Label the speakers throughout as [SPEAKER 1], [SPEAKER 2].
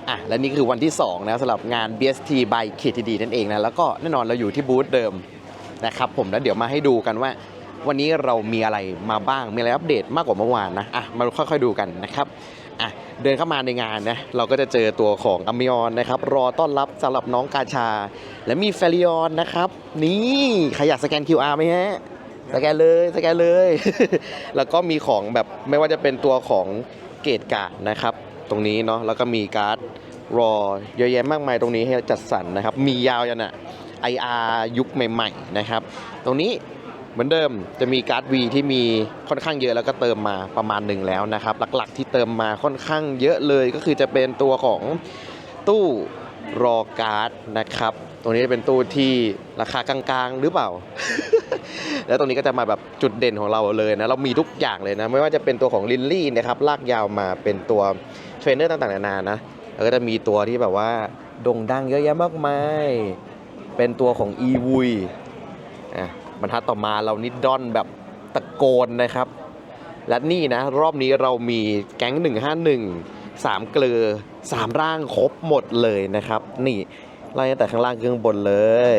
[SPEAKER 1] และนี่คือวันที่2นะสำหรับงาน BST by KTD นั่นเองนะแล้วก็แน่นอนเราอยู่ที่บูธเดิมนะครับผมแล้วเดี๋ยวมาให้ดูกันว่าวันนี้เรามีอะไรมาบ้างมีอะไรอัปเดตมากกว่าเมื่อวานนะมาค่อยๆดูกันนะครับเดินเข้ามาในงานนะเราก็จะเจอตัวของอเมยอนนะครับรอต้อนรับสำหรับน้องกาชาและมีเฟลิออนนะครับนี่ใครอยากสแกน QR ไหมฮะสแกนเลย แล้วก็มีของแบบไม่ว่าจะเป็นตัวของเกตการ์ดนะครับตรงนี้เนาะแล้วก็มีการ์ดรอเยอะแยะมากมายตรงนี้ให้จัดสรรนะครับมียาวยันIR ยุคใหม่ๆนะครับตรงนี้เหมือนเดิมจะมีการ์ด V ที่มีค่อนข้างเยอะแล้วก็เติมมาประมาณหนึ่งแล้วนะครับหลักๆที่เติมมาค่อนข้างเยอะเลยก็คือจะเป็นตัวของตู้รอการ์ดนะครับตรงนี้เป็นตู้ที่ราคากลางๆหรือเปล่า แล้วตรงนี้ก็จะมาแบบจุดเด่นของเราเลยนะเรามีทุกอย่างเลยนะไม่ว่าจะเป็นตัวของลินลี่นะครับลากยาวมาเป็นตัวเทรนเนอร์ต่างๆนานานะแล้วก็จะมีตัวที่แบบว่าโด่งดังเยอะแยะมากมายเป็นตัวของอีวุยบรรทัดต่อมาเรานิดดอนแบบตะโกนนะครับและนี่นะรอบนี้เรามีแก๊ง151 3เกลือ3ร่างครบหมดเลยนะครับนี่ไล่ตั้งแต่ข้างล่างข้างบนเลย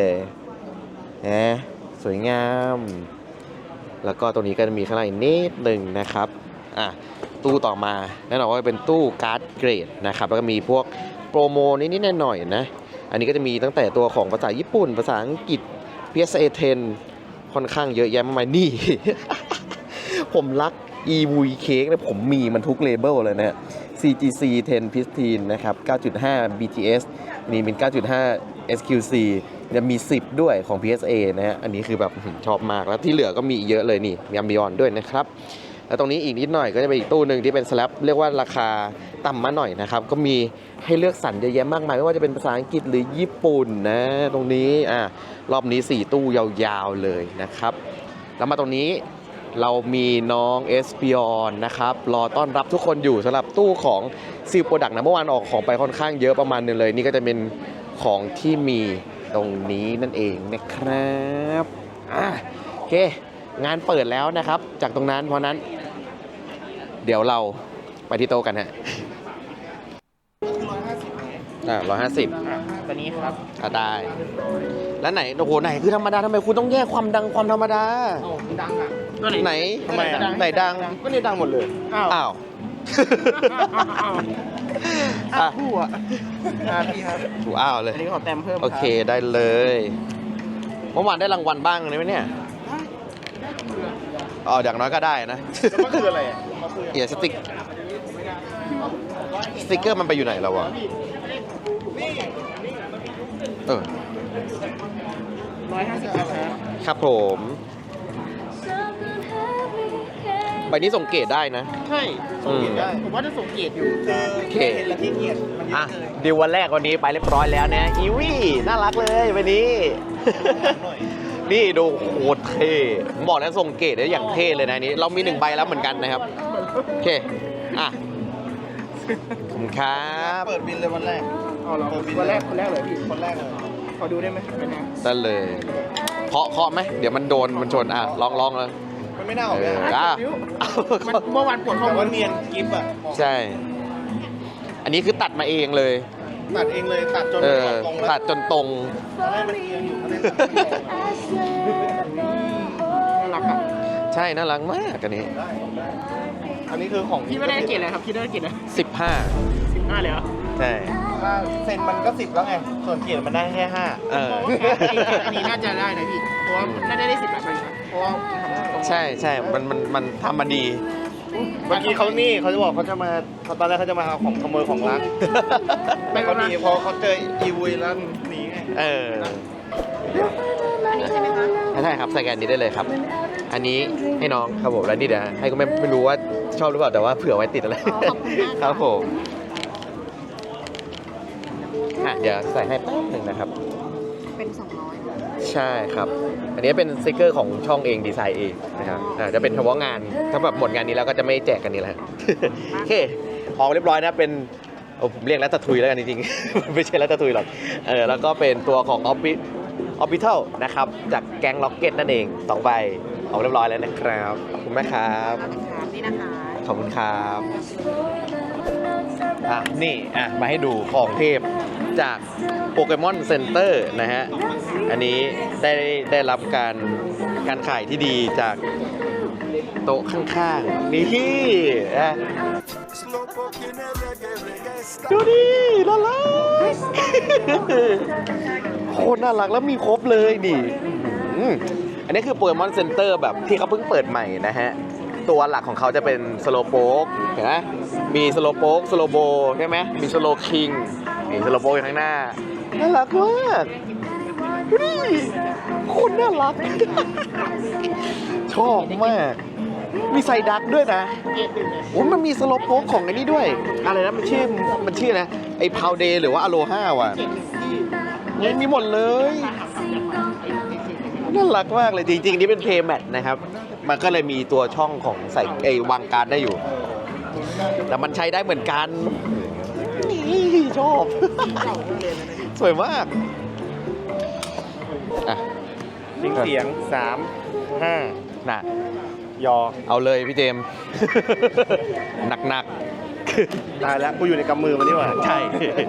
[SPEAKER 1] สวยงามแล้วก็ตรงนี้ก็จะมีข้างล่างอีกนิดหนึ่งนะครับตู้ต่อมาแน่นอนว่าเป็นตู้การ์ดเกรดนะครับแล้วก็มีพวกโปรโมนิดๆหน่อยๆนะอันนี้ก็จะมีตั้งแต่ตัวของภาษาญี่ปุ่นภาษาอังกฤษ PSA 10ค่อนข้างเยอะแยะมากมายนี่ ผมรัก EV Cake นะผมมีมันทุกเลเบลเลยนะ CGC 10 Pristine นะครับ 9.5 BTS นี่เป็น 9.5 SQC จะมี10ด้วยของ PSA นะฮะอันนี้คือแบบชอบมากแล้วที่เหลือก็มีเยอะเลยนี่มีอัมบิออนด้วยนะครับแล้วตรงนี้อีกนิดหน่อยก็จะเป็นอีกตู้หนึ่งที่เป็นสแลบเรียกว่าราคาต่ำมาหน่อยนะครับก็มีให้เลือกสรรเยอะแยะมากมายไม่ว่าจะเป็นภาษาอังกฤษหรือญี่ปุ่นนะตรงนี้รอบนี้4ตู้ยาวๆเลยนะครับแล้วมาตรงนี้เรามีน้องเอสปิออนนะครับรอต้อนรับทุกคนอยู่สำหรับตู้ของซิลโปรดักต์นะเมื่อวานออกของไปค่อนข้างเยอะประมาณนึงเลยนี่ก็จะเป็นของที่มีตรงนี้นั่นเองนะครับโอเคงานเปิดแล้วนะครับจากตรงนั้นเพราะนั้นเดี๋ยวเราไปที่โต๊ะกันฮะ150
[SPEAKER 2] ตัวนี้ครับ
[SPEAKER 1] ได้แล้วไหนโอ้โหไหนคือธรรมดาทำไมคุณต้องแยกความดังความธรรมดา
[SPEAKER 2] ดังตัว
[SPEAKER 1] ไหน
[SPEAKER 2] ทำไม
[SPEAKER 1] ไหนดัง
[SPEAKER 2] ก็นี่ดังหมดเลย
[SPEAKER 1] อ้าว
[SPEAKER 2] ผู้พี่ครับ
[SPEAKER 1] ถูอ้าวเลย
[SPEAKER 2] อันนี้ขอแต้มเพิ่ม
[SPEAKER 1] โอเคได้เลยเมื่อวานได้รางวัลบ้างไหมเนี่ยอย่างน้อยก็ได้นะ
[SPEAKER 2] มันคืออะไร
[SPEAKER 1] สติ๊กเกอร์มันไปอยู่ไหนแล้ววะครับผมใบนี้ส่งเกรดได้นะ
[SPEAKER 2] ใช่ส่งเกรดได้ผมว่าจะส่งเกรดอยู่
[SPEAKER 1] เกรด
[SPEAKER 2] และที่เกียรติ
[SPEAKER 1] ดีลวันแรกวันนี้ไปเรียบร้อยแล้วนะอีวี่น่ารักเลยวันนี้นี่ดูโคตรเท่ผมบอกแล้วส่งเกรดได้อย่างเท่เลยนะนี้เรามี1ใบแล้วเหมือนกันนะครับโอเคขอบคุณครับ
[SPEAKER 2] เปิดบินเลยวันแรกเราคนแรกเลยพี่คนแรกเลยขอดูได้ไหม
[SPEAKER 1] ได้เลยเคาะไหมเดี๋ยวมันโดนมันชนลองเลย
[SPEAKER 2] มันไม่น่าออกเลยเมื่อวานปวดข้อมือเนียนกิฟต์
[SPEAKER 1] ใช่อันนี้คือตัดมาเองเลย
[SPEAKER 2] ตัดเองเลยตัดจน
[SPEAKER 1] ตัดจนตรง
[SPEAKER 2] มันเอียงอยู่น่ารัก
[SPEAKER 1] ใช่น่ารักมากอันนี้
[SPEAKER 2] คือของพี่ไม่ได้เกรดเลยครับพี่ได้เกรดเลย15เลยเหรอ
[SPEAKER 1] ใช่
[SPEAKER 2] เซ็นมันก็10แล้วไงส่วนเกรดมันได้แค่5อันนี้น่าจะได้นะพี่เพราะว่าน่าจะได้10แบบนี้เพราะว่า
[SPEAKER 1] ใช่มันทำมาดี
[SPEAKER 2] เมื่อกี้เขาจะบอกเขาจะมาตอนแรกเขาจะมาเอาของขโมยของร้านไม่เขาดีพอเขาเจออีวุยแล้วหนีไง
[SPEAKER 3] อันนี้ใช่ไหมคะ
[SPEAKER 1] ใช่ครับสแกนนี้ได้เลยครับอันนี้ให้น้องครับผมแล้วนี่เดี๋ยวให้ก็ไม่รู้ว่าชอบหรือเปล่าแต่ว่าเผื่อไว้ติดอะไรครับผมเดี๋ยวใส่ให้แป๊บหนึ่งนะครับ
[SPEAKER 3] เป็น200
[SPEAKER 1] ใช่ครับอันนี้เป็นสติกเกอร์ของช่องเองดีไซน์เองนะครับจะเป็นเฉพาะงานถ้าแบบหมดงานนี้แล้วก็จะไม่แจกกันนี่แหละโอเคของเรียบร้อยนะเป็นผมเรียกแล้วตะทุยแล้วกันจริงๆไม่ใช่แล้วตะทุยหรอกแล้วก็เป็นตัวของออบิทัลนะครับจากแก๊งล็อกเก็ตนั่นเอง2ใบออกเรียบร้อยแล้วนะครับขอบคุณมากครับ
[SPEAKER 3] นี่นะคะ
[SPEAKER 1] ขอบคุณครับนี่มาให้ดูของเทพจากโปเกมอนเซ็นเตอร์นะฮะ อันนี้ได้รับการขายที่ดีจากโต๊ะข้างๆ นี่นะดูดิน่ารัก โคตรน่ารักแล้วมีครบเลยนี่อันนี้คือโปเกมอนเซ็นเตอร์แบบที่เขาเพิ่งเปิดใหม่นะฮะ ตัวหลักของเขาจะเป็นสโลโป๊กเห็นไหมมีสโลโป๊กสโลโบใช่ไหมมีสโลคิงมีสโลโป๊กอยู่ข้างหน้าน่ารักมากดูดิโคตรน่ารัก ชอบมาก มีไซดักด้วยนะโอ้มันมีสโลโป๊กของอันนี้ด้วยอะไรนะมันชื่อนะไอ้พาวเดย์หรือว่าอโลฮาว่ะมีหมดเลยน่ารักมากเลยจริงๆนี่เป็นเพย์แมทนะครับมันก็เลยมีตัวช่องของใส่วางการ์ดได้อยู่แต่มันใช้ได้เหมือนกันนี่ชอบ สวยมากอ่ะ
[SPEAKER 2] เสียง3 5
[SPEAKER 1] น่ะ
[SPEAKER 2] ยอ
[SPEAKER 1] เอาเลยพี่เจมส์ หนัก
[SPEAKER 2] ตายแล้วกูอยู่ในกำมือมันนี่หว่า
[SPEAKER 1] ๆ ใช่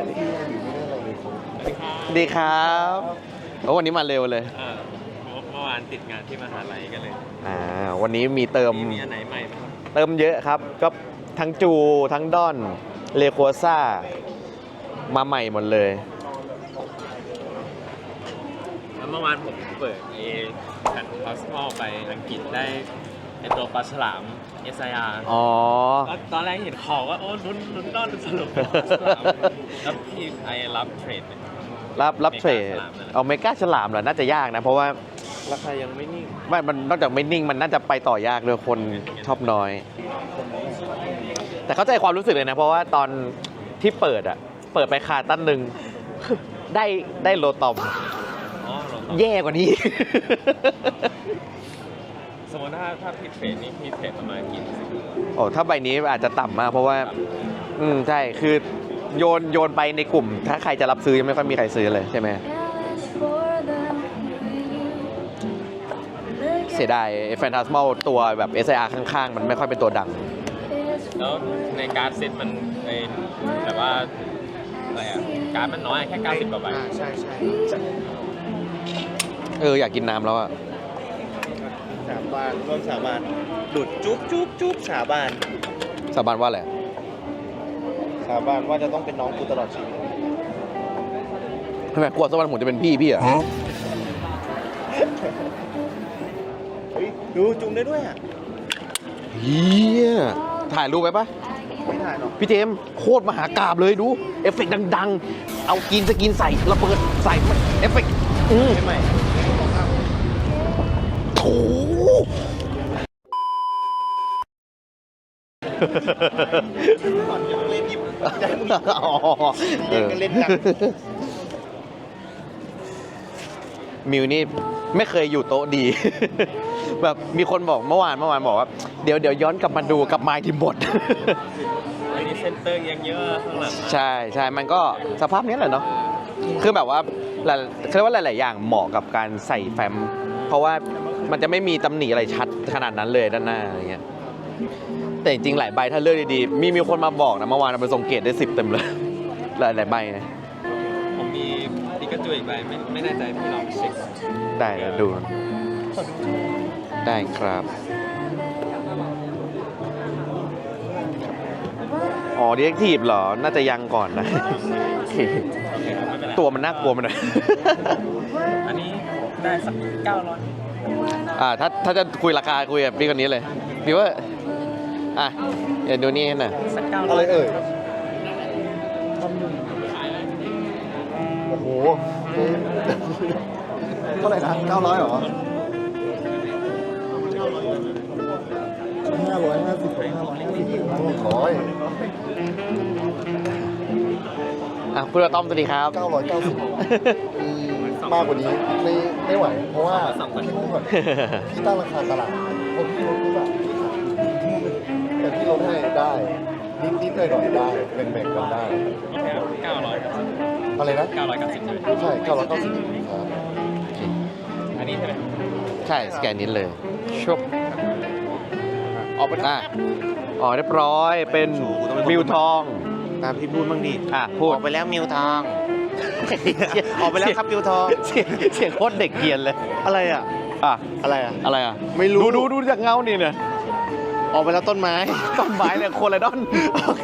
[SPEAKER 1] ดีครับโอ้วันนี้มาเร็วเลย
[SPEAKER 4] เมื่อวานติดงานที่มหาลัยกันเลย
[SPEAKER 1] วันนี้มีเติม
[SPEAKER 4] มีอันไหนใหม่ไหมครับ
[SPEAKER 1] เติมเยอะครับ ก็ทั้งจูทั้งดอนเลโคซ่ามาใหม่หมดเลย
[SPEAKER 4] แล้วเมื่อวานผมเปิดแผ่นพาสมอลไปอังกฤษได้ไอตัวปลาฉลาม SIR
[SPEAKER 1] อ๋อ
[SPEAKER 4] แล้วตอนแรกเห็นของว่าโอ้ลุ้นต้อนสรุปปลาฉลามแล้วพี่ไอรับเทรดไหม
[SPEAKER 1] รับเทรดเอาเมกาฉลามเหรอ น่าจะยากนะ เพราะว่า
[SPEAKER 2] ราคายังไม่นิ่ง
[SPEAKER 1] มันนอกจากไม่นิ่งมันน่าจะไปต่อยากเลยคนชอบน้อย แต่เข้าใจความรู้สึกเลยนะ เพราะว่าตอนที่เปิดไปคาตั้นหนึ่ง ได้โลตอม
[SPEAKER 4] อ๋อเราต้อง
[SPEAKER 1] แย่กว่านี้
[SPEAKER 4] สมมติถ้าพี่เทรดนี่พี่เทรดประมาณกี่เปอร์เซ็นต์
[SPEAKER 1] โอ้ถ้าใบนี้อาจจะต่ำมากเพราะว่า ใช่คือโยนไปในกลุ่ม ถ้าใครจะรับซื้อยังไม่ค่อยมีใครซื้อเลยใช่ไหมเสียดายแฟนตาสมอลตัวแบบ SIR ข้างๆ มันไม่ค่อยเป็นตัวดัง
[SPEAKER 4] แล้วในการ์ดเซ็ตมันแบบว่าอะไรอะการ์ดมันน้อยแค่90กว่าใบ
[SPEAKER 2] ใช่
[SPEAKER 1] อยากกินน้ำแล้วอะ
[SPEAKER 2] สาบานร่วมสาบานดุดจุ๊บสาบาน
[SPEAKER 1] สาบานว่าอะไร
[SPEAKER 2] สาบานว่าจะต้องเป็นน้องกูตลอดชีวิต
[SPEAKER 1] ทำไมกลัวสักวันผมจะเป็นพี่เหรอ
[SPEAKER 2] เฮ้ยดูจุ่มได้ด้วยอ่ะ
[SPEAKER 1] เฮียถ่ายรูปไว้ปะ
[SPEAKER 2] ไม่ถ่ายหรอก
[SPEAKER 1] พี่เจมส์โคตรมหากาบเลยดู เอฟเฟกต์ดังๆ เอากินสกินใส่ระเบิดใส่เอฟเฟกต์
[SPEAKER 2] ใหม่
[SPEAKER 1] โถ
[SPEAKER 2] ก่อนยังเล่นยิบใจมึง
[SPEAKER 1] อ๋อ
[SPEAKER 2] เล่นกันเล่นกัน
[SPEAKER 1] มิวนี่ไม่เคยอยู่โต๊ะดี แบบมีคนบอกเมื่อวานบอกว่าเดี๋ยวย้อนกลับมาดูกับไมค์ที่หมด
[SPEAKER 4] อันนี้เซนเตอร์ยังเยอะข้างหลัง
[SPEAKER 1] ใช่มันก็สภาพนี้แหละเนาะคือแบบว่าเขาเรียกว่าหลายๆอย่างเหมาะกับการใส่แฟ้มเพราะว่ามันจะไม่มีตำหนิอะไรชัดขนาดนั้นเลยด้านหน้าอะไรเงี้ยแต่จริงๆหลายใบถ้าเลือกดีๆมีคนมาบอกนะเมื่อวานมันส่งเกรดได้10 เต็มเลย หลายใบนะ
[SPEAKER 4] ผมมีปิกาจูอีกใบไม่แน่ใจพี่ลองเช็ค
[SPEAKER 1] ได้เดี๋ยวดูได้ครับอ๋อดีเอ็กทีฟเหรอน่าจะยังก่อนนะ โอเค
[SPEAKER 4] โอเคครับไม่เป็นไร
[SPEAKER 1] ตัวมันน่ากลัวมันหน่อย
[SPEAKER 4] อันนี้ได้สัก900
[SPEAKER 1] ถ้าจะคุยราคาคุยกับพี่คนนี้เลยพี่ว่าเดี๋ยวดูนี่หน่อย
[SPEAKER 4] สัก900
[SPEAKER 2] อะไรเอ่ย โอ้โห เท่าไหร่นะ900เหรอ550
[SPEAKER 1] คุณอาต้อมสวัสดีครับ
[SPEAKER 2] 990มากกว่านี้ไม่ไหว เพราะว่าพี่พูดก่อนพี่ตั้งราคาตลาดพอพี่ลดปุ๊บอะแต่พี่ลดให้ได้นิดหน่อยได้แบ่งกันได้
[SPEAKER 4] 900ครับ
[SPEAKER 2] อะไรนะ
[SPEAKER 4] 990เลย
[SPEAKER 2] ใช่990ครับ
[SPEAKER 4] อันนี้ใช่ไหม
[SPEAKER 1] ใช่สแกนนี้เลยชุบออกไปเรียบร้อยเป็นวิวทอง
[SPEAKER 5] ตามพี่พูดบ้างดิ
[SPEAKER 1] พูด
[SPEAKER 5] ออกไปแล้วมิวทอง ออกไปแล้วครับมิวทอง
[SPEAKER 1] เสียงโคตรเด็กเกรียนเลย
[SPEAKER 5] อะไรอ่ะ อะไรอ่ะ
[SPEAKER 1] อะไรอ่ะ
[SPEAKER 5] ไม่รู้
[SPEAKER 1] ดูจากเงานี่เนี่ย
[SPEAKER 5] ออกไปแล้วต้นไม้
[SPEAKER 1] ต้นไม้เนี่ยโคไลดอน
[SPEAKER 5] โอเค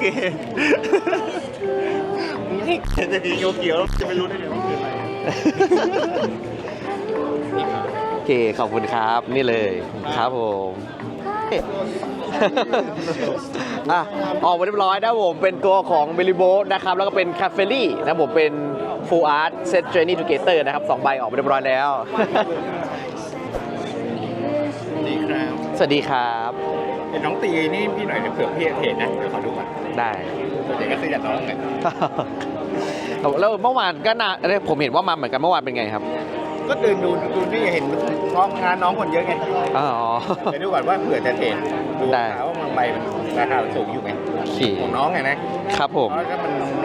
[SPEAKER 5] จะดีเขียวๆจะไม่รู้ได้ไงว่าคืออะไร
[SPEAKER 1] โอเค ขอบคุณครับ นี่เลยครับผม ออกมาเรียบร้อยนะผมเป็นตัวของเบลิโบนะครับ แล้วก็เป็นคาเฟลี่นะผมเป็น Full Art Set Journey Together นะครับ2ใบออกมาเรียบร้อยแล้ว
[SPEAKER 5] ดีครับ
[SPEAKER 1] สวัสดีครับ
[SPEAKER 5] เห็นน้องตีนี่พี่หน่อยเดี๋ยวเผื่อพี่เห็นนะเดี๋ยวขอดูก่อน
[SPEAKER 1] ได้
[SPEAKER 5] ส่วนใหญ่ก็ซื้อจากน้องไง
[SPEAKER 1] แล้วเมื่อวานก็ผมเห็นว่ามาเหมือนกันเมื่อวานเป็นไงครับ
[SPEAKER 5] ก็เดินดูพี่เห็นเพราะงานน้องคนเยอะไง
[SPEAKER 1] อ๋อ
[SPEAKER 5] ไปดูก่อนว่าเผื่อจะเห็นดู
[SPEAKER 1] ได้
[SPEAKER 5] ข่าวว่ามันใบมันราคาสูงอยู่ไง
[SPEAKER 1] โอเค
[SPEAKER 5] ของน้องไงนะครับ
[SPEAKER 1] ผม
[SPEAKER 5] เพราะถ้า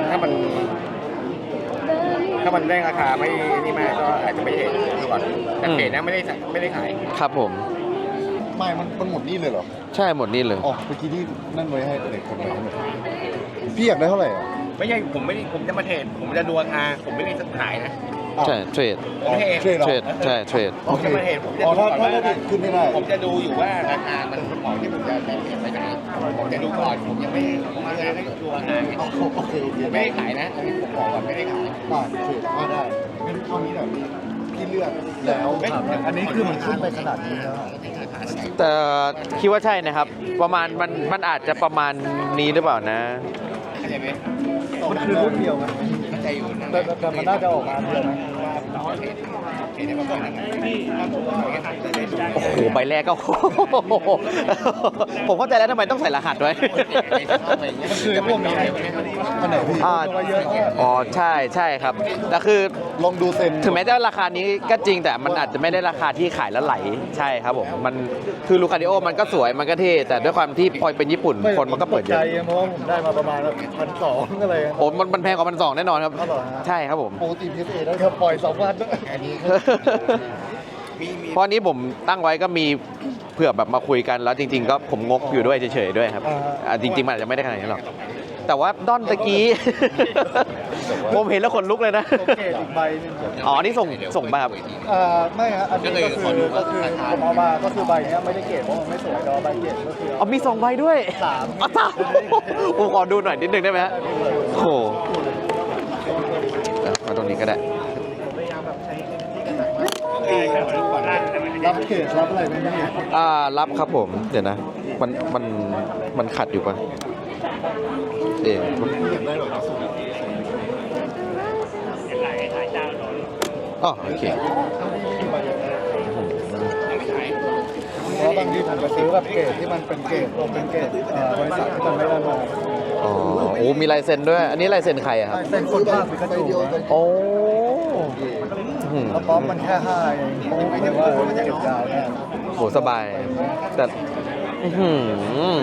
[SPEAKER 5] มันได้ราคาไม่นี่มากก็อาจจะไม่เห็นดูก่อนแต่เพจนะไม่ได้ขาย
[SPEAKER 1] ครับผม
[SPEAKER 2] ไม่มันหมดนี่เลยเหรอ
[SPEAKER 1] ใช่หมดนี่เลย
[SPEAKER 2] อ๋อเมื่อกี้ที่นั่นไว้ให้เด็กคนไหนพี่อยากได้เท่าไหร่อ่ะ
[SPEAKER 5] ไม่ใช่ผมจะมาเทรดผมจะดูราคาผมไม่ได้ขายนะ
[SPEAKER 1] ใช่เทรด
[SPEAKER 5] ผมเทรด
[SPEAKER 2] เทรดเหรอ
[SPEAKER 1] เทรดใช่เทรด
[SPEAKER 2] โอเค
[SPEAKER 5] ผมจะมาเทรดผมจะ
[SPEAKER 2] อ๋อ
[SPEAKER 5] ดู
[SPEAKER 2] ถ้า
[SPEAKER 5] ก่อนว่า
[SPEAKER 2] เด็กขึ้นไม่ได้
[SPEAKER 5] ผมจะดูอยู่ว่าราคามันเหมาะที่ผมจะเทรดไปไหนผมจะดูก่อนผมยังไม่ผมมาให้ดูราคาไง
[SPEAKER 2] โอเค
[SPEAKER 5] ผมไม่ได้ขายนะอันนี้ผมบอกก่อนไม่ได้ขาย
[SPEAKER 2] โอเคได้งั้นเท่านี้แหละพี่เลือกแล้วอันนี้คือมันขึ้นไปขนาดนี้แล้ว
[SPEAKER 1] แต่คิดว่าใช่นะครับ ประมาณมันอาจจะประมาณนี้หรือเปล่านะ
[SPEAKER 5] เข้าใจไหม
[SPEAKER 2] มันคือรุ่นเดียวกัน
[SPEAKER 5] เข้าใจอยู่นะ
[SPEAKER 2] แต่มันน่าจะออกมาเดียวนะ
[SPEAKER 5] ว่าเทรดได้มาก่อนนะ
[SPEAKER 1] โอ้โหใบแรกก็ ผมเข้าใจแล้วทำไมต้องใส่รหัสด้วย
[SPEAKER 2] มันคือพวกนี้อันไหนพี่ เยอะ
[SPEAKER 1] อ๋อใช่ใช่ครับแต่คือ
[SPEAKER 2] ลองดูเซ็น
[SPEAKER 1] ถึงแม้จะราคานี้ก็จริงแต่มันอาจจะไม่ได้ราคาที่ขายแล้วไหลใช่ครับผมมันคือลูคาดิโอมันก็สวยมันก็เท่แต่ด้วยความที่พอเป็นญี่ปุ่นคนมันก็เปิดเยอะ
[SPEAKER 2] เพราะว่าผมได้มาประมาณ1,200อะไร
[SPEAKER 1] โอ้มันแพงกว่า1,200แน่นอนครับ
[SPEAKER 2] อ๋อเหรอฮะ
[SPEAKER 1] ใช่ครับผม
[SPEAKER 2] ปกติพีเอได้ครับปล่อย2 วันด้วยอันนี้
[SPEAKER 1] เพราะนี้ผมตั้งไว้ก็มีเผื่อแบบมาคุยกันแล้วจริง ๆ ก็ผมงกอยู่ด้วยเฉยๆด้วยครับจริงๆมันอาจจะไม่ได้ขนาดนี้หรอกแต่ว่าด้อนตะกี้ ผมเห็นแล้วขนลุกเลยนะ
[SPEAKER 2] โอเคอีกใบนึง
[SPEAKER 1] อ๋อนี่ส่งมาครับ
[SPEAKER 2] ไม่ฮะอันนี้ก็คือผมเอามาก็คือใบนี้ไม่ได้เกรดเพราะมันไม่สวยแต่ว่าใบเกรดก็คือ
[SPEAKER 1] อ๋อมี2ใบด้วย
[SPEAKER 2] สาม
[SPEAKER 1] อ๋อสามผมขอดูหน่อยนิดนึงได้ไหมฮะโอ้โหมาตรงนี้ก็ได้
[SPEAKER 2] รับเกรดรับอะไรไหมเนี่ย
[SPEAKER 1] รับครับผมเดี๋ยวนะมันขัดอยู่ปะเดี๋ยว
[SPEAKER 2] อยากได้แบบสูง
[SPEAKER 1] อ๋อโอเค
[SPEAKER 2] เพราะบางทีผมจะซื้อแบบเกรดที่มันเป็นเกรดบริษัทที่มันไม่ได้มา
[SPEAKER 1] อ๋อโอ้มีลายเซ็นด้วย อันนี้ลายเซ็นใครอะครับ
[SPEAKER 2] เป็นคนภาคปิกาจูนะ
[SPEAKER 1] โอ้อืม
[SPEAKER 2] แล้วป๊อปมันแค่5เองโอ้ไม่ได้ว่ามันจะเก็บยาวแน่
[SPEAKER 1] โหสบาย แต่อื้อหือ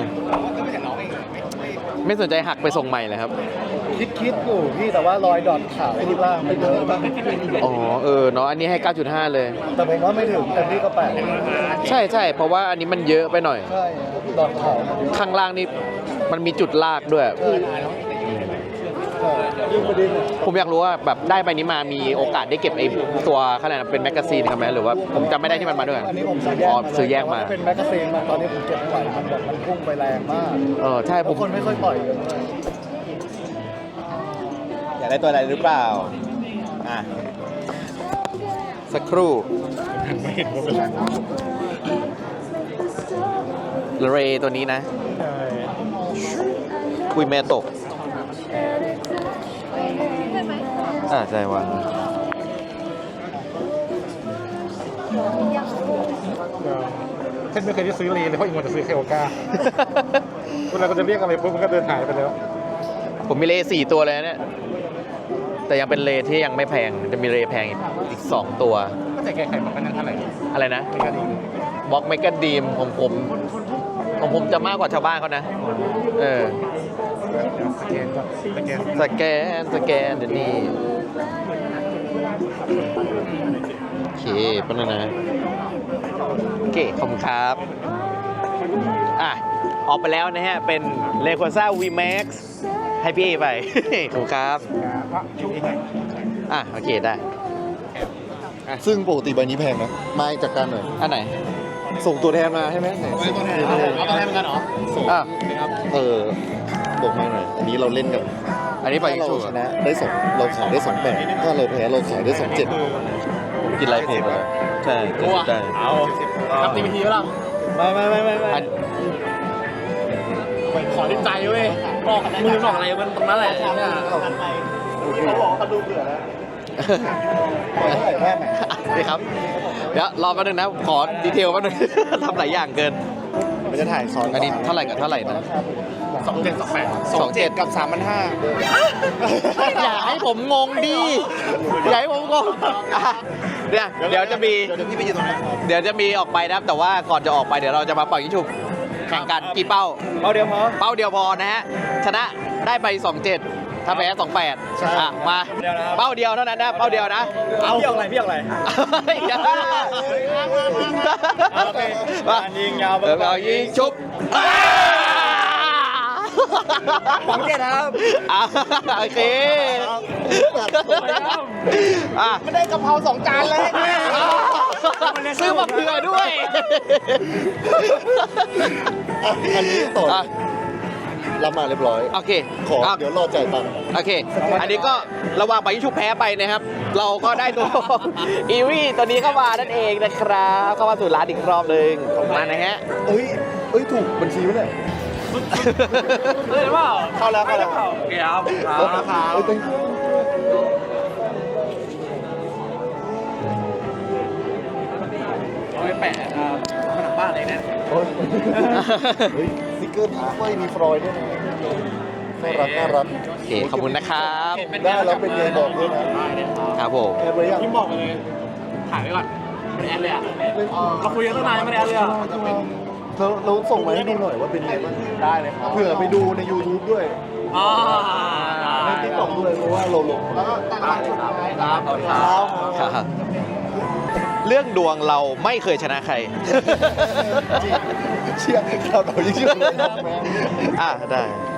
[SPEAKER 1] ไม่สนใจหักไปส่งใหม่เลยครับ
[SPEAKER 2] คิดอยู่พี่แต่ว่ารอยดอทขาวที่ล่างไม่เยอะบ้าง
[SPEAKER 1] อ๋อเนาะอันนี้ให้ 9.5 เลย
[SPEAKER 2] แต่ผมว่าไม่ถึงเต็มที่ก็8
[SPEAKER 1] ใช่ใช่เพราะว่าอันนี้มันเยอะไปหน่อย
[SPEAKER 2] ใช่ดอทขาวมันเยอะ
[SPEAKER 1] ข้างล่างนี่มันมีจุดลากด้วย
[SPEAKER 2] ยิ่งประเด็น
[SPEAKER 1] ผมอยากรู้ว่าแบบได้ใบนี้มามีโอกาสได้เก็บไอ้ตัวขนาดเป็นแมกกาซีนครับไหมหรือว่าผมจำไม่ได้ที่มันมาด้วย
[SPEAKER 2] อันนี้ผมซื้อแยก
[SPEAKER 1] อ๋อซื้อแยกมา
[SPEAKER 2] เป็นแมกกาซีนมาตอนนี้ผมเก็บไม่ไหวมันแบบมันพุ่งไปแรงมาก
[SPEAKER 1] ใช่ผ
[SPEAKER 2] ทุ
[SPEAKER 1] ม
[SPEAKER 2] กคนไม่ค่อยปล่อยกันเลย
[SPEAKER 5] อยากได้ตัวอะไรหรือเปล่า
[SPEAKER 1] สักครู่เรย์ตัวนี้นะ คุยเมโตะใช่วาง
[SPEAKER 6] เช่นไม่เคยได้ซื้อเลนเลยเพราะอีกคนจะซื้อเคโอก้าเวลาก็จะเรียกอะไรปุ๊บมันก็เดินหายไปแล้ว
[SPEAKER 1] ผมมีเลย์4 ตัวเลยนะเนี่ย แต่ยังเป็นเลย์ที่ยังไม่แพง จะมีเลย์แพงอีก2 ตัว
[SPEAKER 6] ก็แต่แกไข่มันก็นั้นเท่าไหร่
[SPEAKER 1] อะไรนะ
[SPEAKER 6] ไม่ก็ดี
[SPEAKER 1] บล็อกเมกาดีมของผมจะมากกว่าชาวบ้านเขานะ
[SPEAKER 6] สแกนก็สแกน
[SPEAKER 1] สแกนเดี๋ยวนี้โอเคเป็นแล้วนะโอเคขอบคุณครับออกไปแล้วนะฮะเป็น Rayquaza VMAX ให้พี่เอไป ขอบคุณครับ
[SPEAKER 6] ว่าช่วงนี้ไง
[SPEAKER 1] โอเคได้
[SPEAKER 2] ซึ่งปกติใบนี้แพงนะมาจากการหน่อย
[SPEAKER 1] อันไหน
[SPEAKER 2] ส่งตัวแทนมาใช่ไหมไหน
[SPEAKER 5] เอาตัวแทนกันเหรอ
[SPEAKER 2] ส่ง
[SPEAKER 1] อ่ะ
[SPEAKER 2] บอกมาหน่อยอันนี้เราเล่นกัน
[SPEAKER 1] อันนี้ไป
[SPEAKER 2] ถ้าเรา
[SPEAKER 1] ชู
[SPEAKER 2] ชนะได้สองเราขายได้28ถ้าเราแพ้เราขายได้27
[SPEAKER 1] กินไรเพจเลยใช่ได้
[SPEAKER 4] เอาทำตีพีแล้วล่ะ
[SPEAKER 1] ไม่อัน
[SPEAKER 4] ขอที่ใจเว้ยบอกมือบอกอะไรมันตรงนั้นแหละเนี่ย
[SPEAKER 2] เขาบอกเขาดูเบื่อแล้วเท่าไหร่แม่ไหน
[SPEAKER 1] นี่ครับ เดี๋ยวรอแป๊บนึงนะ ขอดีเทลแป๊บนึง ทำหลายอย่างเกิน
[SPEAKER 2] มันจะถ่ายซ้อน
[SPEAKER 1] อันนี้เท่าไหร่กับเท่าไหร่นะ
[SPEAKER 4] 2728
[SPEAKER 1] กับ 3,500อย่าให้ผมงงดิอย่าให้ผมงงอ่ะเดี๋ยวจะมี
[SPEAKER 2] เดี๋ยวพี่ไปยืนตรงนั้น
[SPEAKER 1] เดี๋ยวจะมีออกไปนะครับ แต่ว่าก่อนจะออกไปเดี๋ยวเราจะมาเป่ายิงฉุบแข่งกันกี่เป้า
[SPEAKER 4] เป้าเดียวพอ
[SPEAKER 1] เป้าเดียวพอนะฮะ ชนะได้ไป 27 ถ้าแพ้ 28มา เป้าเดียวเท่านั้นนะ เป้าเดียวนะ
[SPEAKER 4] เอาพี่ออกอะไรพี่ออกอะไร โอเคการยิงยาว
[SPEAKER 1] เอายิงชุบ
[SPEAKER 4] 27ครับ
[SPEAKER 1] โอเคไม่ได้กะเพรา2 จานเลยซื้อมาเผื่อด้วย
[SPEAKER 2] อันนี้ต่อรับมาเรียบร้อย
[SPEAKER 1] โอเค
[SPEAKER 2] ขอเดี๋ยวรอจ่ายตังค์
[SPEAKER 1] โอเค อันนี้ก็ระหว่างไปยิงชุบแพ้ไปนะครับ เราก็ได้ตัว อีวี่ตัวนี้เข้ามานั่นเองนะครับ เข้ามาสู่ร้านอีกรอบหนึ่งขอบคุณมากนะฮะ
[SPEAKER 2] เอ้ยถูกบัญชีวะเนี่ย
[SPEAKER 4] เฮ้ยเปล่า
[SPEAKER 2] เข้าแล้ว
[SPEAKER 4] โอเคครับ
[SPEAKER 2] เอ้ย thank you
[SPEAKER 4] เอาไปแปะผนังบ้านเลยนะ
[SPEAKER 2] โอ้ยเฮ้ยสติ๊กเกอร์พี่เฟ้ยมีฟรอยด์ด้วยนะน่ารัก
[SPEAKER 1] โอเค ขอบคุณนะครับ
[SPEAKER 2] ได้แล้วเป็นไงบอกด้วยนะครับ
[SPEAKER 1] ผม
[SPEAKER 2] แอบเลยยัง
[SPEAKER 4] พี่บอกเลย ถ่ายไว้ก่อนไม่ได้แอดเลยอ่ะเราคุยกันตั้งนานไม่ได้แอดเลยอ่ะ
[SPEAKER 2] เราส่งมาให้ดูหน่อยว่าเป็นไงบ้าง
[SPEAKER 4] ได้เลยครับ
[SPEAKER 2] เผื่อไปดูใน YouTube ด้วย
[SPEAKER 4] อ๋อ
[SPEAKER 2] ในติ๊กต็อกด้วยเพราะว่าเราลง
[SPEAKER 4] ได้เลยครับครับขอบคุณครับ
[SPEAKER 1] ครับ เรื่องดวงเราไม่เคยชนะใคร
[SPEAKER 2] เชี่ยเรายิ่งเชื่อเลยนะแม่
[SPEAKER 1] ได้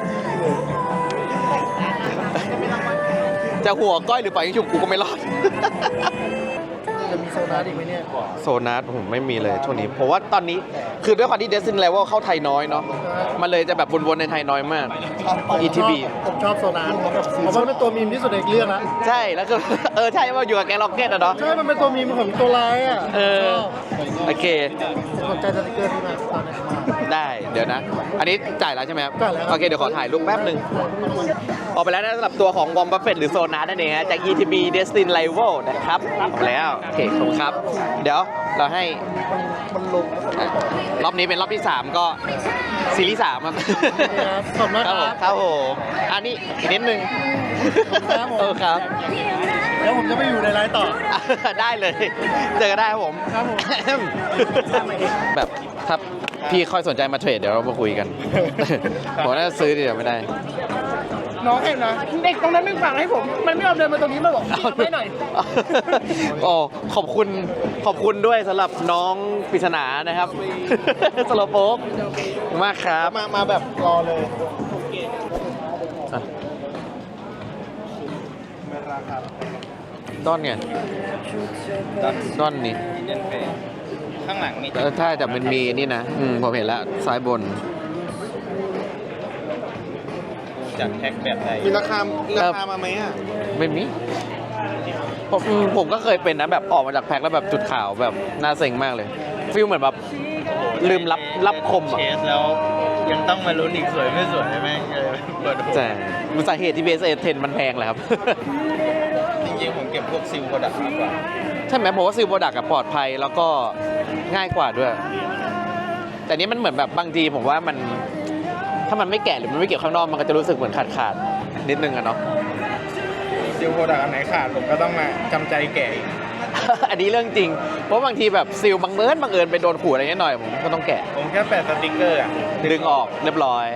[SPEAKER 1] จะหัวก้อยหรือปล่อยยิงฉุบกูก็ไม่รอด
[SPEAKER 2] จะมีโซนาอีกไหมเนี่ยก่อน
[SPEAKER 1] โซนัสผมไม่มีเลยช่วงนี้ เพราะว่าตอนนี้คือด้วยความที่ Destiny Level เข้าไทยน้อยเนาะ มันเลยจะแบบวนๆในไทยน้อยมาก ETB
[SPEAKER 2] ผมชอบโซนาเพราะว่าเป็นตัวมีมที่สุดในเรื่องนะ
[SPEAKER 1] ใช่ แล้วก็ ใช่ว่าอยู่กับแกงล็อกเก็ตอะเนาะ
[SPEAKER 2] ใช่ มันเป็นตัวมีมของตัวร้ายอ่ะ
[SPEAKER 1] โอเค
[SPEAKER 2] ผมสนใจสติกเกอร์ที่มาตอนนี้มาก
[SPEAKER 1] ได้ เดี๋ยวนะ อันนี้จ่ายแล้วใช่ไหมครับ
[SPEAKER 2] จ่ายแล้ว
[SPEAKER 1] โอเค เดี๋ยวขอถ่ายรูปแป๊บหนึ่งออกไปแล้วนะสำหรับตัวของวอมบัฟเฟตหรือโซนานั่นเองฮะจาก ETB Destiny Level นะครับออกไปแล้วโอเคขอบคุณครับ เดี๋ยวเราให้
[SPEAKER 2] มันลงแล้วก็
[SPEAKER 1] รอบนี้เป็นรอบที่ 3 ก็ซีรีส์3ครับ
[SPEAKER 2] ขอบคุณมาก
[SPEAKER 1] ครับผมครับผมอันนี้อีกนิดนึง
[SPEAKER 2] ครับผม
[SPEAKER 1] ครับ
[SPEAKER 2] เดี๋ยวผมจะไปอยู่ในไลฟ์ต่อ
[SPEAKER 1] ได้เลย เจอกันได้ครับผม
[SPEAKER 2] ครับผม
[SPEAKER 1] แบบถ้าพี่ค่อยสนใจมาเทรดเดี๋ยวเรามาคุยกัน ผมน่าจะซื้อเดี๋ยวไม่ได้
[SPEAKER 3] น้องเห็นนะเด็กตรงนั้นไม่ฟังให้ผม มันไม่ยอมเดินมาตรงนี้มาบอกพี่ทำให้หน่อย
[SPEAKER 1] โอ้ขอบคุณด้วยสำหรับน้องปริศนานะครับ สโลโป๊กมากครับ
[SPEAKER 2] มาแบบรอเลย
[SPEAKER 1] อ่ะดอนไงดอนนี่
[SPEAKER 5] ข้างหลังมี
[SPEAKER 1] ถ้าแต่มันมีนี่นะผมเห็นแล้วซ้ายบน
[SPEAKER 5] จากแพ็กแบบใด
[SPEAKER 2] มีราคามาไหมอ่ะ
[SPEAKER 1] ไม่มีผมก็เคยเป็นนะแบบออกมาจากแพ็คแล้วแบบจุดขาวแบบน่าเซ็งมากเลยฟีลเหมือนแบบลืมรับคมอ่ะ
[SPEAKER 5] เชสแล้วยังต้องมาลุ้นอีกสวยไม่สวยใช่ไหมเปิด
[SPEAKER 1] แต่มันสาเหตุที่ BSA 10มันแพงแหละครับ
[SPEAKER 5] จริงๆผมเก็บพวกซิลโปรดักต์มากกว่า
[SPEAKER 1] ใช่ไหมผมว่าซิลโปรดักต์ปลอดภัยแล้วก็ง่ายกว่าด้วย แต่นี้มันเหมือนแบบบางทีผมว่ามันถ้ามันไม่แกะหรือมันไม่เก็บข้างนอกมันก็จะรู้สึกเหมือนขาดนิดนึงอะเนาะ
[SPEAKER 5] ซิลโปรดักต์อันไหนขาดผมก็ต้องมาจำใจแกะอีก
[SPEAKER 1] อันนี้เรื่องจริง เพราะบางทีแบบซิลบังเอิญไปโดนขูดอะไรนิดหน่อยผมก็ต้องแกะ
[SPEAKER 5] ผมแค่แปะสติ๊กเกอร์อ่ะ
[SPEAKER 1] ดึงออกเรียบร้อย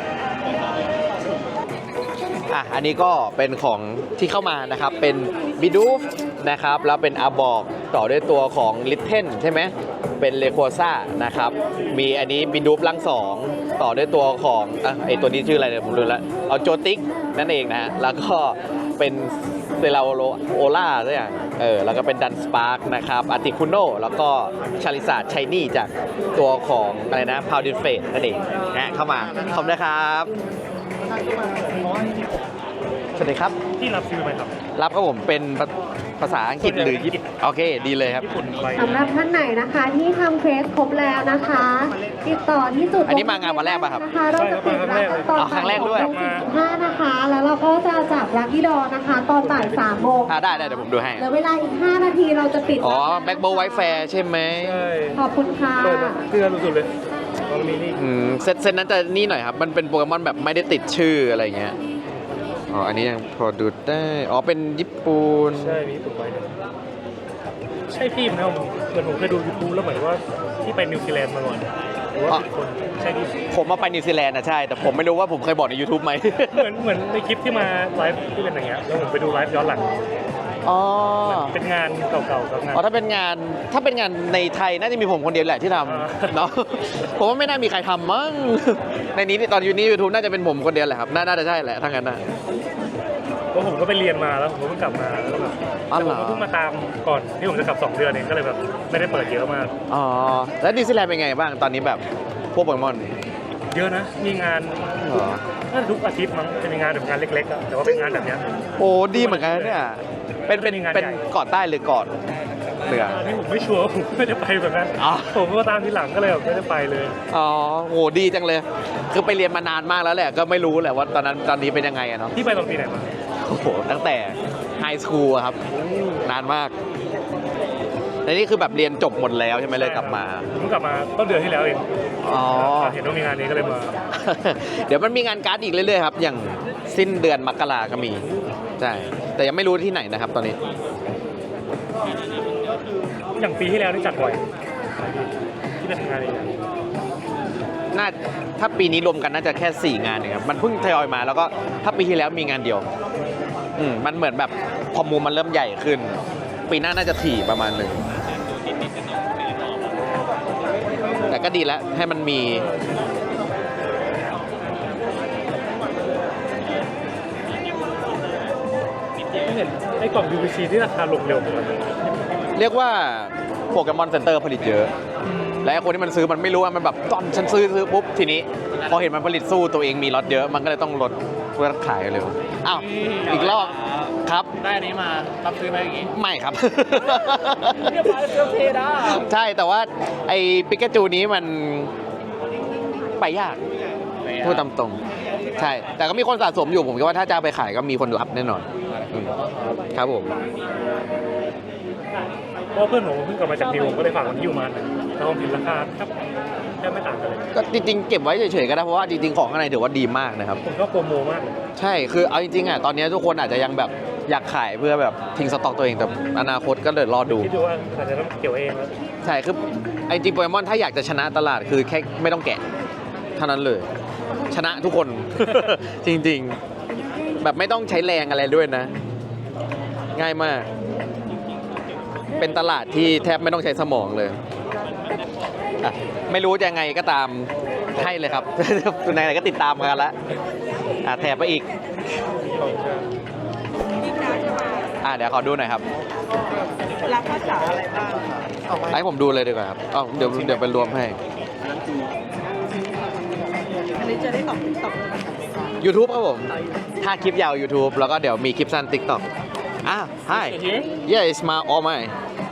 [SPEAKER 1] อันนี้ก็เป็นของที่เข้ามานะครับเป็นบิดูฟนะครับแล้วเป็นอาบอกต่อด้วยตัวของลิทเทนใช่ไหมเป็นเลโคซ่านะครับมีอันนี้บิดูฟลัง2 ต่อด้วยตัวของไอตัวนี้ชื่ออะไรเนี่ยผมลืมแล้วเอาโจติกนั่นเองนะฮะแล้วก็เป็นเซราโอล่าสักอย่างแล้วก็เป็นดันสปาร์กนะครับอาร์ติคุโนแล้วก็ชาลิซาร์ชัยนี่จากตัวของอะไรนะพาวดินเฟสนั่นเองนะเข้ามาขอบคุณนะครับสวัสดีครับ
[SPEAKER 6] ที่รับซื้อไหมครับ
[SPEAKER 1] รับครับผมเป็นภาษาอังกฤษหรือญี่ปุ่นโอเคดีเลยครับ
[SPEAKER 7] สำหรับท่านไหนนะคะที่ทำเควสครบแล้วนะคะ ติดต่อที่จุด
[SPEAKER 1] อันนี้มางานวันแรกป่ะครับ
[SPEAKER 7] นะคะเราจะปิดรับตอน
[SPEAKER 1] อ๋อครั้งแรกด้วย
[SPEAKER 7] 5นะคะ แล้วเราก็จะจับลัคกี้ดอนะคะ ตอนบ่าย3 โมง
[SPEAKER 1] ได้เดี๋ยวผมดูให้
[SPEAKER 7] เหลือเวลาอีก5 นาทีเราจะปิด
[SPEAKER 1] อ๋อ
[SPEAKER 7] รับ
[SPEAKER 1] แบ็คโบว์ไวท์แฟร์ใช่ไหม
[SPEAKER 7] ขอบคุณค่ะ
[SPEAKER 6] เกลือสุดๆเลยตอนนี้นี่
[SPEAKER 1] เซตนั้นจะนี่หน่อยครับ มันเป็นโปเกมอนแบบไม่ได้ติดชื่ออะไรเงี้ย อ๋อ อันนี้ยังพอดูได้ อ๋อ เป็นญี่ปุ่น
[SPEAKER 6] ใช่มีญี่ปุ่นไว้ด้วยใช่พี่ไหมเหมือนผมเคยดูยูทูบแล้วเหมือนว่าที่ไปนิวซีแลนด์มาก่อนหรือว่าผิดคนใช่ที่
[SPEAKER 1] ผมมาไปนิวซีแลนด์นะใช่ แต่ผมไม่รู้ว่าผมเคยบอกใน YouTube ไหม
[SPEAKER 6] เหมือนในคลิปที่มาไลฟ์ที่เป็นอย่างเงี้ยแล้วผมไปดูไลฟ์ย้อนหลัง
[SPEAKER 1] อ๋อ
[SPEAKER 6] เป็นงานเก่าๆกับงาน
[SPEAKER 1] อ๋อถ้าเป็นงานในไทยน่าจะมีผมคนเดียวแหละที่ทำเนาะ ผมว่าไม่น่ามีใครทำมั้ง ในนี้ตอนอยู่นี่ YouTube น่าจะเป็นผมคนเดียวแหละครับ น่าจะใช่แหละทั้งนั้นนะ
[SPEAKER 6] เพราะผมก็ไปเรียนมาแล้วผมก็เพิ่งกลับมาแล้วแบบ
[SPEAKER 1] อ๋อ
[SPEAKER 6] แต่
[SPEAKER 1] เห
[SPEAKER 6] ผ
[SPEAKER 1] รอ
[SPEAKER 6] มก็เพิ่งมาตามก่อนที่ผมจะกลับ2 เดือนเองก็เลยแบบไม่ได้เปิดเยอะมาก
[SPEAKER 1] อ๋อ แล้วนิวซีแลนด์เป็นไงบ้างตอนนี้แบบพวกโปเกมอน
[SPEAKER 6] เยอะนะมีงาน
[SPEAKER 1] เหรอ
[SPEAKER 6] น่าจะทุกอาทิตย์มั้งจะมีงานแบบงานเล็กๆอะแต่ว่าเป็นงานแบบเนี้ย
[SPEAKER 1] โอ้ดีเหมือนกันนะเนี่ย เป็น
[SPEAKER 6] งานใหญ่
[SPEAKER 1] เกาะใต้หรือเกาะเหนือ
[SPEAKER 6] ที่ผมไม่ชัวร์ผมไม่ได้ไปแบบนั้น
[SPEAKER 1] อ๋อ
[SPEAKER 6] ผมก็ตามทีหลังก็เลยแบบไม่ได้ไปเลย
[SPEAKER 1] อ๋อโหดีจังเลย คือไปเรียนมานานมากแล้วแหละ ก็ไม่รู้แหละว่าตอนนี้เป็นยังไงอะเนาะ
[SPEAKER 6] ที่ไปตอนปีไหนมา
[SPEAKER 1] โอ้โห ตั้งแต่ไฮสคูลครับ นานมากแต่นี่คือแบบเรียนจบหมดแล้วใช่ไหมเลยกลับมา
[SPEAKER 6] ผมกลับมาต้นเดือนที่แล้วเอง
[SPEAKER 1] อ๋อ
[SPEAKER 6] เห็นว่ามีงานนี้ก็เลยมา
[SPEAKER 1] เดี๋ยวมันมีงานการ์ดอีกเรื่อยๆครับ อย่างสิ้นเดือนมกราก็มี ใช่ แต่ยังไม่รู้ที่ไหนนะครับตอนนี้
[SPEAKER 6] อย่างปีที่แล้วนี่จัดบ่อยที่เป็นงานเองอะ
[SPEAKER 1] น่าถ้าปีนี้รวมกันน่าจะแค่ 4 งานเองครับ มันเพิ่งทยอยมาแล้วก็ถ้าปีที่แล้วมีงานเดียว มันเหมือนแบบพอมูลมันเริ่มใหญ่ขึ้น ปีหน้าน่าจะถี่ประมาณหนึ่ง แต่ก็ดีแล้วให้มันมี
[SPEAKER 6] ไม่เห็นไอ้กล่อง UVC ที่ราคาลงเร็วเหมือนกัน
[SPEAKER 1] เรียกว่าโปเกมอนเซ็นเตอร์ผลิตเยอะ และไอ้คนที่มันซื้อมันไม่รู้ว่ามันแบบตอนฉันซื้อปุ๊บทีนี้ พอเห็นมันผลิตสู้ตัวเองมีล็อตเยอะ มันก็เลยต้องลดเพื่อขายเร็วอ้าวอีกรอบครับ
[SPEAKER 4] ได้อันนี้มารับซื้อไหมอย่างงี้
[SPEAKER 1] ไม่ครับ
[SPEAKER 3] เรียบร้อยเซลเพดา
[SPEAKER 1] ใช่แต่ว่าไอ้ปิกาจูนี้มันไปยากพูดตามตรงใช่ แต่ก็มีคนสะสมอยู่ผมคิดว่าถ้าจะเอาไปขายก็มีคนรับแน่นอนครับผม
[SPEAKER 6] เพราะเพื่อนผมเพิ่งกลับมาจากนิวผมก็เลยฝากมันที่อยู่มาแต่ผมเห็นราคาแทบไม่ต่างกันเลย
[SPEAKER 1] ก็จริงๆเก็บไว้เฉยๆก็ได้เพราะว่าจริงๆของข้างในถือว่าดีมากนะครับ
[SPEAKER 6] ผมก็โปรโมมากเลย
[SPEAKER 1] ใช่คือเอาจริงๆอ่ะตอนนี้ทุกคนอาจจะยังแบบอยากขายเพื่อแบบทิ้งสต็อกตัวเองแต่อนาคตก็เลยรอดู
[SPEAKER 6] คิดดูว่าอาจจะต้องเกี่ยวเองแล้ว
[SPEAKER 1] ใช่คือไอจริงโปเกมอนถ้าอยากจะชนะตลาดคือแค่ไม่ต้องแกะเท่านั้นเลย ชนะทุกคน จริงๆ แบบไม่ต้องใช้แรงอะไรด้วยนะ ง่ายมาก เป็นตลาดที่แทบไม่ต้องใช้สมองเลยอ่ะไม่รู้จะยังไงก็ตามให้เลยครับ ไหนๆก็ติดตามกันแล้วแถบไปอีกเดี๋ยวขอดูหน่อยครับ
[SPEAKER 3] รับภาษาอะไรบ้าง
[SPEAKER 1] ให้ผมดูเลยดีกว่าครับเดี๋ยวไปรวมให้
[SPEAKER 3] อันนี้จะได้ตอบ
[SPEAKER 1] YouTube ครับผม ถ้าคลิปยาว YouTube แล้วก็เดี๋ยวมีคลิปสั้น TikTok Hi Yeah it's my all mine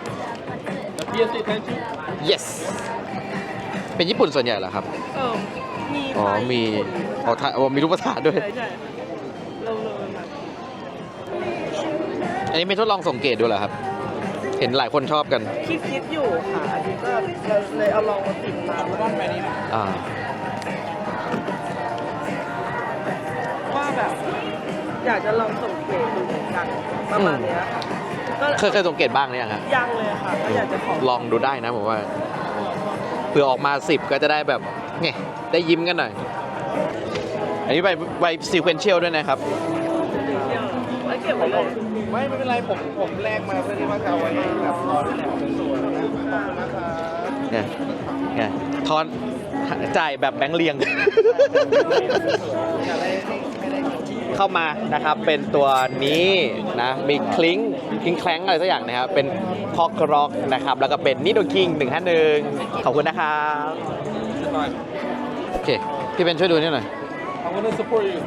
[SPEAKER 1] Yes เป็นญี่ปุ่นส่วนใหญ่เหรอครับ
[SPEAKER 3] มี
[SPEAKER 1] อ๋อ มีมีรูปภาษาด้วย
[SPEAKER 3] ใช่เราเลย
[SPEAKER 1] อันนี้ไม่ทดลองสังเกตดูเหรอครับ เห็นหลายคนชอบกัน
[SPEAKER 3] คิดอยู่ค่ะอันนี้ก็เราเลยเอาลองมาติดมาแล้วก็ไปนี่ ว่าแบบอยากจะลองส่งเกรดดูเหมือนกันประมาณเนี้ยค่ะก็
[SPEAKER 1] เคยสังเกตบ้างหรือยังครับ
[SPEAKER 3] ยังเลยค่ะก็อยากจะขอ
[SPEAKER 1] ลองดูได้นะผมว่าเผื่อออกมา 10 ก็จะได้แบบไงได้ยิ้มกันหน่อย อันนี้ใบซีเควนเชียลด้วยนะครับ
[SPEAKER 3] ไว้เก็บไว้เลย
[SPEAKER 5] ไม่เป็นไรผมแลกมาเพื่อที่ว่าจะเอาไว้แบบรอที่ไหนสวยๆนะขอบคุณนะครับ
[SPEAKER 1] เนี่ยทอนจ่ายแบบแบงค์เรียง เข้ามานะครับเป็นตัวนี้นะมีคลิงแคลงอะไรสักอย่างนะครับเป็นคอกร็อกนะครับแล้วก็เป็นนิโดคิง151ขอบคุณนะครับโอเคพี่เป็นช่วยดูนี่หน่อย
[SPEAKER 4] I'm gonna support you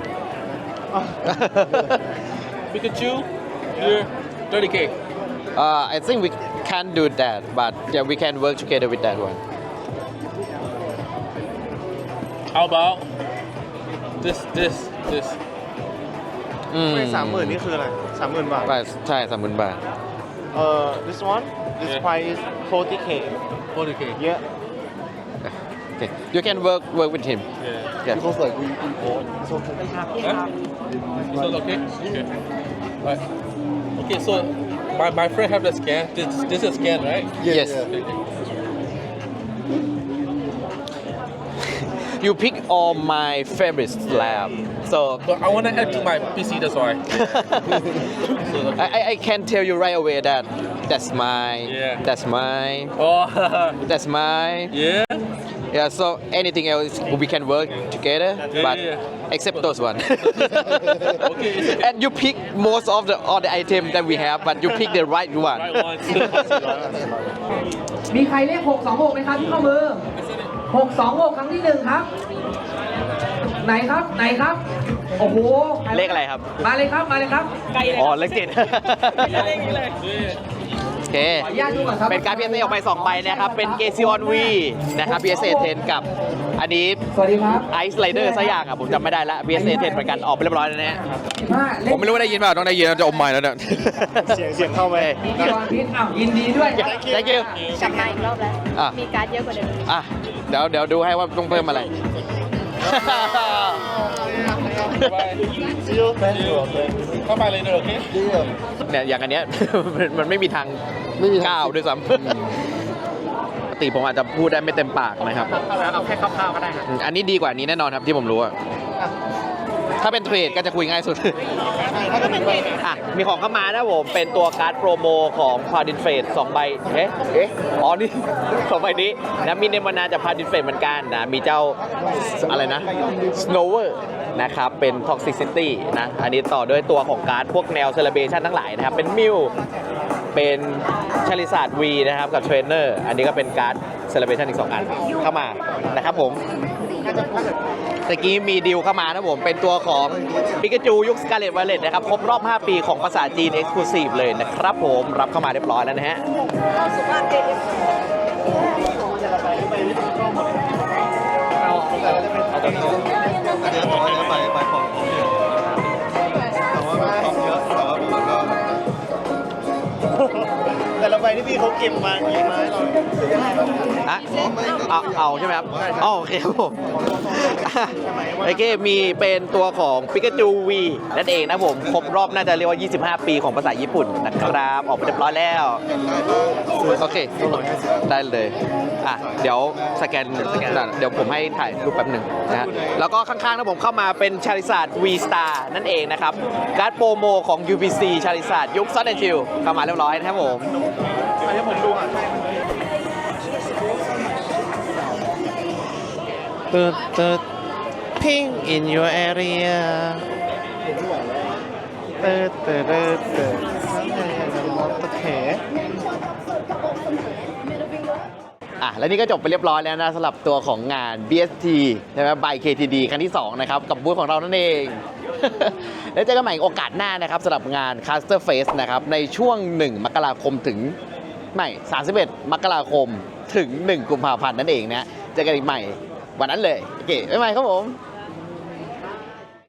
[SPEAKER 4] Pikachu you're 30k
[SPEAKER 1] I think we can do that but yeah we can work together with that one
[SPEAKER 4] How about this
[SPEAKER 8] 30,000นี่คืออะไร 30,000 บาท
[SPEAKER 1] ใช่30,000 บาท
[SPEAKER 8] this one this
[SPEAKER 4] Yeah.
[SPEAKER 8] price is 40k
[SPEAKER 4] 40k
[SPEAKER 8] yeah
[SPEAKER 1] okay you can work with him
[SPEAKER 4] yeah
[SPEAKER 1] yeah
[SPEAKER 2] because like we bought so
[SPEAKER 4] Huh? So okay? Okay. Right. Okay, so my friend have the scan. This is scan, right?
[SPEAKER 1] Yes.
[SPEAKER 4] Okay.
[SPEAKER 1] You pick all my favorite slab so
[SPEAKER 4] But I want to add to my PC, that's why. So, okay.
[SPEAKER 1] I can tell you right away that that's mine
[SPEAKER 4] Yeah.
[SPEAKER 1] that's mine
[SPEAKER 4] Oh,
[SPEAKER 1] that's mine
[SPEAKER 4] yeah.
[SPEAKER 1] yeah so anything else we can work together but
[SPEAKER 4] yeah.
[SPEAKER 1] except those one
[SPEAKER 4] Okay, it's okay.
[SPEAKER 1] and you pick most of the all the item that we have but you pick the right one
[SPEAKER 4] Right one.
[SPEAKER 3] มีใครเลข626ไหมครับที่ข้อมือ626ครั้งที่1ครับ ไหนครับโอ้โห
[SPEAKER 1] เลขอะไรครับ
[SPEAKER 3] มาเลยครับไกลเลย
[SPEAKER 1] อ๋อเลข 7
[SPEAKER 3] เลขนี้เลย
[SPEAKER 1] โอเค
[SPEAKER 3] ขออนุญาตดูก่อนครับ
[SPEAKER 1] เป็นการ PSA ออกไป2ใบนะครับ เป็น g a z o n V นะครับ PSA 10 กับอันนี้
[SPEAKER 3] สวัสดีครับ
[SPEAKER 1] Ice Rider สักอย่างอ่ะผมจำไม่ได้ละ PSA 10เหมือนกันออกไปเรียบร้อยแล้วนะฮะ
[SPEAKER 3] 15เล
[SPEAKER 1] ผ
[SPEAKER 3] ข
[SPEAKER 1] มไม่รู้ว่าได้ยินเปล่าต้องได้ยินจะอมไม้แล้วเนี่ย
[SPEAKER 8] เสียงเข้าไป
[SPEAKER 3] พี่กรพิษอ้าวยินดีด้วย
[SPEAKER 1] thank you
[SPEAKER 9] กลับมาอีกรอบแล้ว
[SPEAKER 1] อ่ะ
[SPEAKER 9] มีการ์ดเยอะกว่าเดิม
[SPEAKER 1] อ่ะเดี๋ยวดูให้ว่าต้องเพิ่มอะไร
[SPEAKER 2] see you thank you
[SPEAKER 4] Come by later, okay?
[SPEAKER 2] yeah
[SPEAKER 1] เนี่ยอย่างอันเนี้ย มันไม่มีทาง
[SPEAKER 2] ไม่มีทาง
[SPEAKER 1] ก้าวด้วยซ้ำปกติผมอาจจะพูดได้ไม่เต็มปากนะครับ
[SPEAKER 3] เอาแค่คร่าวๆก็ได้ครับ
[SPEAKER 1] อันนี้ดีกว่านี้แน่นอนครับที่ผมรู้อะถ้าเป็นเทรดก็จะคุยง่ายสุด อ่ะมีของเข้ามานะผม เป็นตัวการ์ดโปรโมของพาดินเฟส2ใบอ๋อ นี่ 2 ใบนี้นะมีเนมวานาจากพาดินเฟสเหมือนกันนะ มีเจ้าอะไรนะ Snower นะครับ เป็น Toxicity นะ อันนี้ต่อด้วยตัวของการ์ดพวกแนวเซเลเบชันทั้งหลายนะครับ เป็นมิวเป็นชาลิซาร์ดวีนะครับกับเทรนเนอร์อันนี้ก็เป็นการ์ดเซเลเบชันอีก2อันเข้ามานะครับผมตะกี้มีดีลเข้ามานะผมเป็นตัวของปิกาจูยุคสกาเลตไวเลตนะครับครบรอบ 5 ปีของภาษาจีน Exclusive เลยนะครับผมรับเข้ามาเรียบร้อยแล้วนะฮะ
[SPEAKER 8] แต่ละใบที่พี่เขาเก็บมากี่ไม้เรา
[SPEAKER 1] อะเอาใช่ไหมครับอ๋อโอเคครับผมโอเคมีเป็นตัวของปิกาจูวีนั่นเองนะผมครบรอบน่าจะเรียกว่า 25 ปีของภาษาญี่ปุ่นนะครับออกไปเรียบร้อยแล้วโอเคได้เลยอ่ะเดี๋ยวสแกนเดี๋ยวผมให้ถ่ายรูปแป๊บหนึ่งนะฮะแล้วก็ข้างๆนะผมเข้ามาเป็นชาริซาร์ด V Star นั่นเองนะครับการ์ดโปรโมของ UBC ชาริซาร์ดยุคซอสแอนด์ชิลเข้ามาเรียบร้อยนะครับผมให้ผมดูอ่ะตึด ping in your area
[SPEAKER 2] โอเค
[SPEAKER 1] อ่ะและนี่ก็จบไปเรียบร้อยแล้วนะสำหรับตัวของงาน BST ใช่ไหม by KTD ครั้งที่ 2 นะครับ กับบูธของเรานั่นเอง แล้วเจอกันใหม่โอกาสหน้านะครับสำหรับงาน Caster Face นะครับ ในช่วง 1 มกราคมถึงไม่31 มกราคมถึง 1 กุมภาพันธ์นั่นเองนะ เจอกันอีกใหม่วันนั้นเลย โอเคบ๊ายบายครับผม